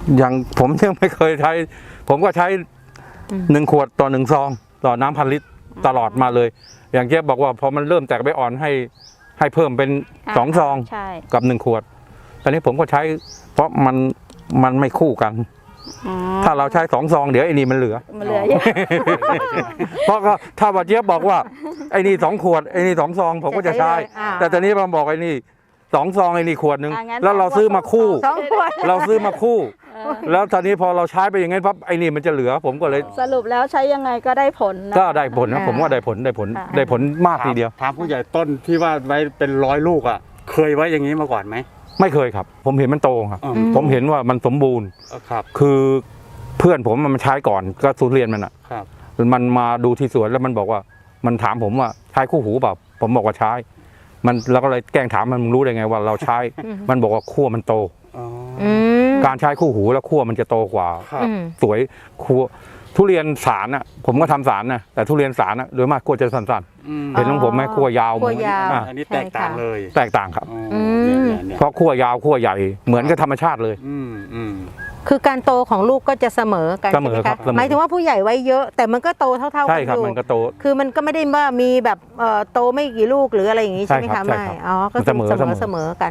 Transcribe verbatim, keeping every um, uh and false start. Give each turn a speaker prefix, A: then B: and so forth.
A: อย่างผมยังไม่เคยใช้ผมก็ใช้หนึ่งขวดต่อหนึ่งซองต่อน้ำพันลิตรตลอดมาเลย อย่างเจ๊บอกว่าพอมันเริ่มแตกใบอ่อนให้ให้เพิ่มเป็นสองซองกับหนึ่งขวดตอนนี้ผมก็ใช้เพราะมันมันไม่คู่กันถ้าเราใช้สองซองเดี๋ยวไอ้นี่มันเหลือ
B: มันเหลือเยอะ
A: เพราะก็ถ้าว่าเจี๊ยบบอกว่าไอ้นี่สองขวดไอ้นี่สองซองผมก็จะใช้แต่ตอนนี้มันบอกไอ้นี่สองซองไอ้นี่ขวดหนึ่งแล้วเราซื้อมาคู่เราซื้อมาคู่แล้วตอนนี้พอเราใช้ไปอย่างงั้นปั๊บไอ้นี่มันจะเหลือผมก็เลย
B: สรุปแล้วใช้ยังไงก็ได้ผล
A: ก็ได้ผลนะผมว่าได้ผลได้ผลได้ผลมากทีเดียว
C: ถามผู้ใหญ่ต้นที่ว่าไว้เป็นร้อยลูกอ่ะเคยไว้อย่างนี้มาก่อนไหม
A: ไม่เคยครับผมเห็นมันโตครับผมเห็นว่ามันสมบูรณ์
C: ครับ
A: คือเพื่อนผมมันใช้ก่อนก็ทุเรียนมันอ่ะมันมาดูที่สวนแล้วมันบอกว่ามันถามผมว่าใช้คู่หูเปล่าผมบอกว่าใช้มันเราก็เลยแกล้งถามมันมึงรู้ได้ไงว่าเราใช้มันบอกว่าขั้วมันโตการใช้คู่หูแล้วขั้วมันจะโตกว่าสวยขั้วทุเรียนสารน่ะผมก็ทำสารนะแต่ทุเรียนสารน่ะโดยมากขั้วจะสั้นๆเห็นของผมไหมขั้วยาวเหมือน
C: อันนี้แตกต่างเลย
A: แตกต่างครับเพราะขั้วยาวขั้วใหญ่เหมือนกับธรรมชาติเลย
D: คือการโตของลูกก็จะเสมอกันใช่ไหมคะหมายถึงว่าผู้ใหญ่ไว้เยอะแต่มันก็โตเท่าๆกันอยู่ใช่
A: ครับมันก็โต
D: คือมันก็ไม่ได้ว่ามีแบบโตไม่กี่ลูกหรืออะไรอย่างนี้ใช่ไหมคะไม่อ๋อก็เสมอเสมอกัน